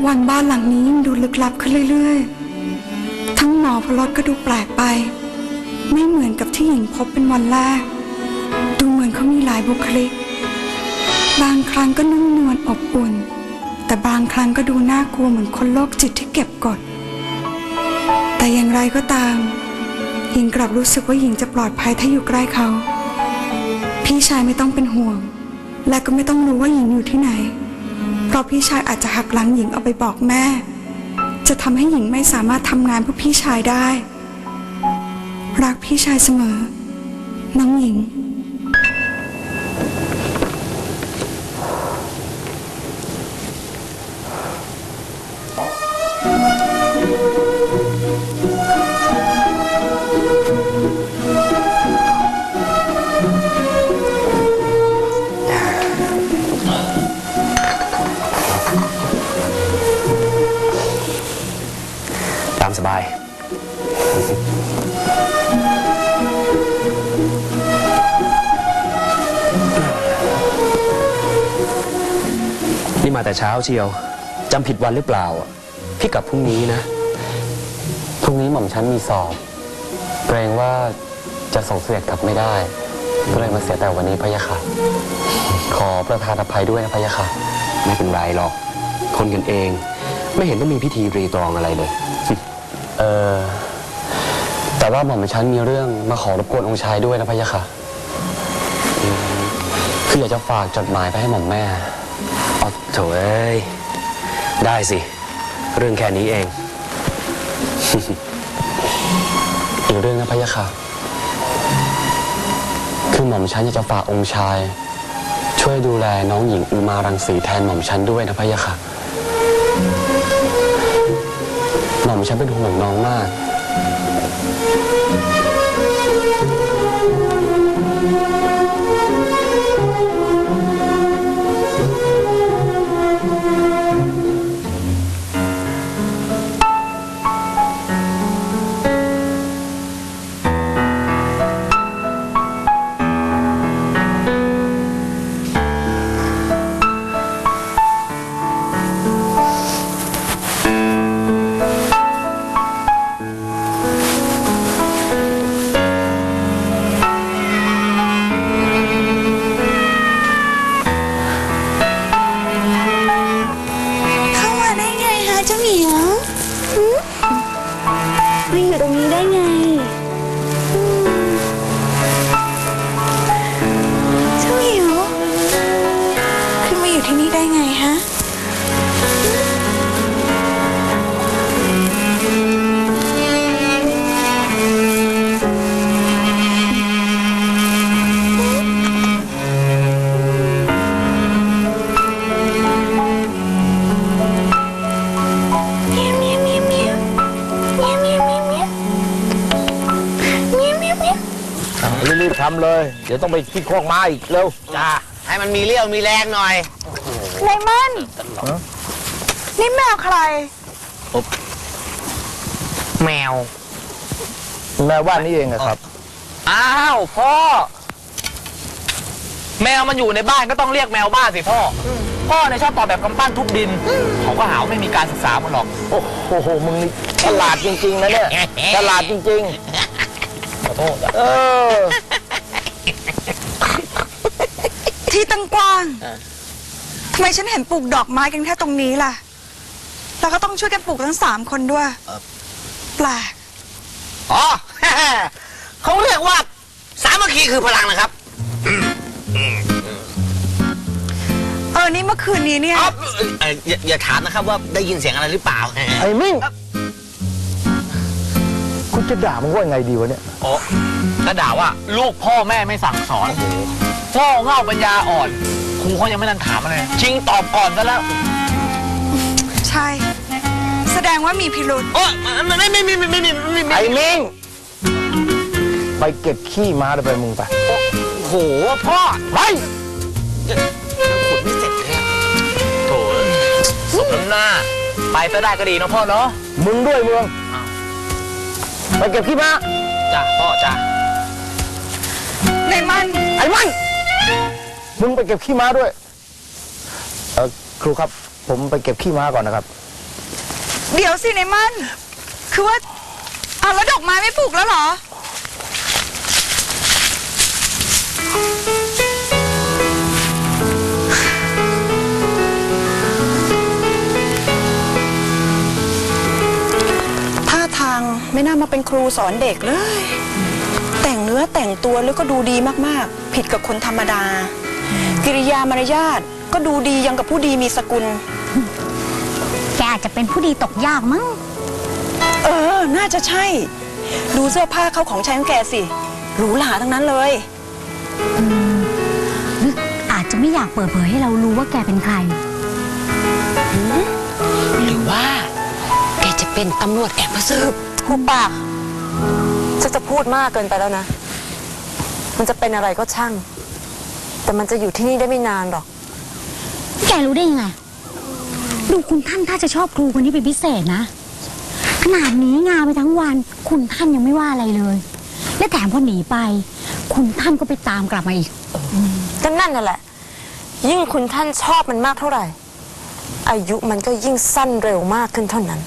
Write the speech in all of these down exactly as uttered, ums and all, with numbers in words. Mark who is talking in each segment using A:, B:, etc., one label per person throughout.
A: วันบ้านหลังนี้ยิ่งดูลึกลับขึ้นเรื่อยๆทั้งหมอพลดก็ดูแปลกไปไม่เหมือนกับที่หญิงพบเป็นวันแรกดูเหมือนเขามีหลายบุคลิกบางครั้งก็นุ่มนวลอบอุ่นแต่บางครั้งก็ดูน่ากลัวเหมือนคนโรคจิตที่เก็บกดแต่อย่างไรก็ตามหญิงกลับรู้สึกว่าหญิงจะปลอดภัยถ้าอยู่ใกล้เขาพี่ชายไม่ต้องเป็นห่วงและก็ไม่ต้องรู้ว่าหญิงอยู่ที่ไหนเพราะพี่ชายอาจจะหักหลังหญิงเอาไปบอกแม่จะทำให้หญิงไม่สามารถทำงานเพื่อพี่ชายได้รักพี่ชายเสมอน้องหญิง
B: ตามสบายนี่มาแต่เช้าเชียวจำผิดวันหรือเปล่าพี่กลับพรุ่งนี้นะพรุ่งนี้หม่อมฉันมีสอบเกรงว่าจะส่งเสด็จกลับไม่ได้ก็เลยมาเสียแต่วันนี้พะยะค่ะขอประทานอภัยด้วยนะพะยะค่ะไม่เป็นไรหรอกคนกันเองไม่เห็นต้องมีพิธีรีตรองอะไรเลยเออแต่ว่าหม่อมฉันมีเรื่องมาขอรบกวนองค์ชายด้วยนะพะยะค่ะคืออยากจะฝากจดหมายไปให้หม่อมแม่อ๋อโถเอ้ยได้สิเรื่องแค่นี้เอง อีกเรื่องนะพะยะค่ะคือหม่อมฉันอยากจะฝากองค์ชายช่วยดูแลน้องหญิงอุมารังสีแทนหม่อมฉันด้วยนะพะยะค่ะหม่อมฉันเป็นห่วงน้องมาก
C: มาอยู่ตรงนี้ได้ไงเจ้าหมิวขึ้นมาอยู่ที่นี่ได้ไงฮะ
D: รีบๆทำเลยเดี๋ยวต้องไปที่โคกม้าอีกเร็ว
E: จ้าให้มันมีเรี่ยวมีแรงหน่อย
C: ไลมันนี่แมวใคร
E: แมว
D: แมวบ้านนี้เองครับ
E: อ้าวพ่อแมวมันอยู่ในบ้านก็ต้องเรียกแมวบ้านสิพ่อพ่อเนี่ยชอบตอบแบบกำปั้นทุบดินเขาก็หาว่าไม่มีการศึกษามันหรอก
D: โอ้โหมึงนี่ฉลาดจริงๆนะเนี่ยฉลาดจริงๆขอโทษเออ
A: ที่ตั้งกว้างทำไมฉันเห็นปลูกดอกไม้กันแค่ตรงนี้ล่ะแล้วก็ต้องช่วยกันปลูกทั้งสามคนด้วยแปลก
E: อ๋อเขาเรียกว่าสามัคคีคือพลังนะครับ
A: เออนี่เมื่อคืนนี้เนี่ย
E: อย่าอย่าถามนะครับว่าได้ยินเสียงอะไรหรือเปล่า
D: ไอ้มิ่งคุณจะด่ามึงว่าไงดีวะเนี่ย
E: อ๋อก็ด่าว่าลูกพ่อแม่ไม่สั่งสอนพ่อเง่าปัญญาอ่อนครูเขายังไม่ทันถามอะไรชิงตอบก่อนซะแล้ว
A: ใช่แสดงว่ามีพิรุธ
E: โอ้ไม่ไม่ไม่ไม่ไม่ไม่ไม่
D: ไอ้มิ่งไปเก็บขี้ม้าไปมึงไป
E: โอ้โหพ่อไปขุดไม่เสร็จเลยโถ่สมน้ำหน้าไปซะได้ก็ดีนะพ่อเนาะ
D: มึงด้วยมึงไปเก็บขี้ม้า
E: จ้ะพ่อจ้ะ
A: ไอ้มัน
D: ไอ้มันมึงไปเก็บขี้ม้าด้วยเออครูครับผมไปเก็บขี้ม้าก่อนนะครับ
A: เดี๋ยวสิในมัน คือว่าเอาแล้วดอกไม้ไม่ปลูกแล้วเหรอ
C: ท่าทางไม่น่ามาเป็นครูสอนเด็กเลย แต่งเนื้อแต่งตัวแล้วก็ดูดีมากๆ ผิดกับคนธรรมดา กิริยามารยาทก็ดูดียังกับผู้ดีมีสกุล
F: แกอาจจะเป็นผู้ดีตกยากมั้ง
C: เออ น่าจะใช่ ดูเสื้อผ้าเขาของใช้ของแกสิหรูหราทั้งนั้นเลย
F: หรืออาจจะไม่อยากเปิดเผยให้เรารู้ว่าแกเป็นใคร
G: หรือว่าแกจะเป็นตำรวจแอบมาสืบ
H: หูปากจะจะพูดมากเกินไปแล้วนะ มันจะเป็นอะไรก็ช่าง แต่มันจะอยู่ที่นี่ได้ไม่นานหรอก
F: แกรู้ได้ยังไง ดูคุณท่านถ้าจะชอบครูคนนี้เป็นพิเศษนะ ขนาดหนีงานไปทั้งวัน คุณท่านยังไม่ว่าอะไรเลย และแถมพอหนีไป คุณท่านก็ไปตามกลับมาอีก
H: ก็นั่นน่ะแหละ ยิ่งคุณท่านชอบมันมากเท่าไหร่ อายุมันก็ยิ่งสั้นเร็วมากขึ้นเท่านั้น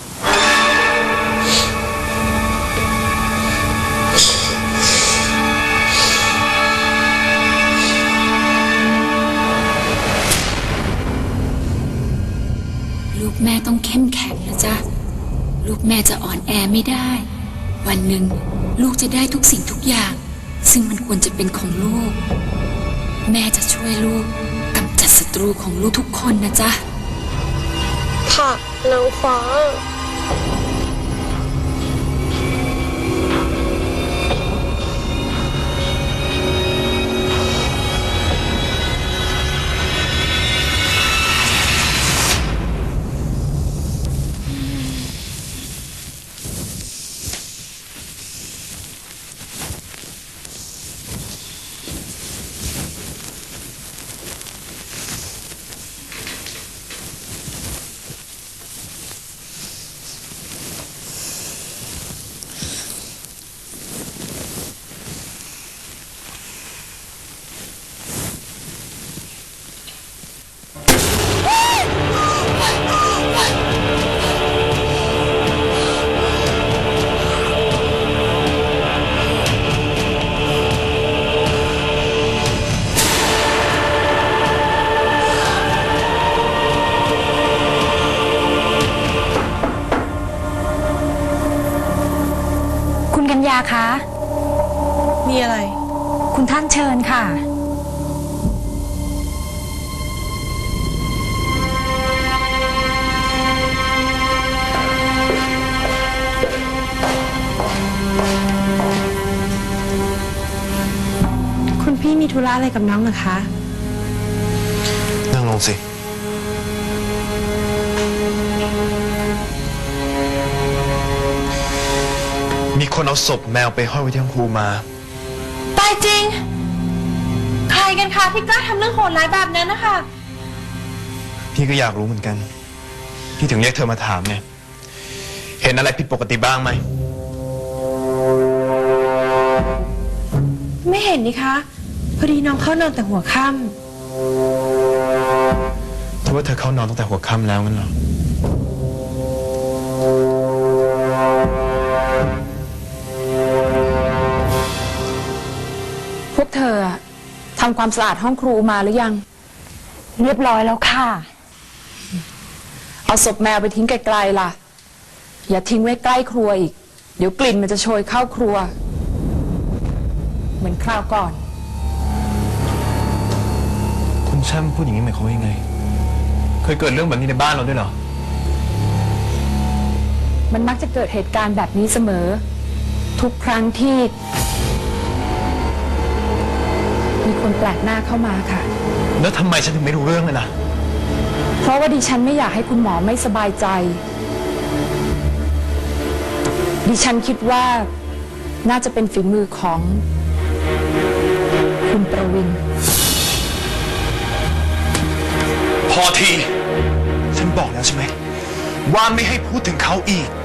I: ลูกแม่ต้องเข้มแข็งนะจ๊ะ ลูกแม่จะอ่อนแอไม่ได้ วันหนึ่งลูกจะได้ทุกสิ่งทุกอย่าง ซึ่งมันควรจะเป็นของลูก แม่จะช่วยลูกกำจัดศัตรูของลูกทุกคนนะจ๊ะ
G: ค่ะนางฟ้า
F: คุณกัญญาคะ
C: มีอะไร
F: คุณท่านเชิญค่ะ
J: คุณพี่มีธุระอะไรกับน้องเหรอคะ
K: นั่งลงสิ มีคนเอาศพแมวไปห้อยไว้ที่ห้องครูมา
J: ตายจริง ใครกันคะที่กล้าทำเรื่องโหดร้ายแบบนั้นนะคะ
K: พี่ก็อยากรู้เหมือนกัน พี่ถึงเรียกเธอมาถามไง เห็นอะไรผิดปกติบ้างไหม
J: ไม่เห็นนี่คะ พอดีน้องเข้านอนแต่หัวค่ำ
K: เธอว่าเธอเข้านอนตั้งแต่หัวค่ำแล้วงั้นเหรอ
J: พวกเธอทำความสะอาดห้องครูมาหรือยัง
F: เรียบร้อยแล้วค่ะ
J: เอาศพแมวไปทิ้งไกลๆล่ะ อย่าทิ้งไว้ใกล้ครัวอีก เดี๋ยวกลิ่นมันจะโชยเข้าครัว เหมือนคราวก่อน
K: คุณแช่มพูดอย่างนี้หมายความว่ายังไง เคยเกิดเรื่องแบบนี้ในบ้านเราด้วยเหรอ
J: มันมักจะเกิดเหตุการณ์แบบนี้เสมอ ทุกครั้งที่ มีคนแปลกหน้าเข้ามาค่ะ
K: แล้วทำไมฉันถึงไม่รู้เรื่องเลยนะ
J: เพราะว่าดิฉันไม่อยากให้คุณหมอไม่สบายใจ ดิฉันคิดว่าน่าจะเป็นฝีมือของคุณประวิน
K: พอที ฉันบอกแล้วใช่ไหม ว่าไม่ให้พูดถึงเขาอีก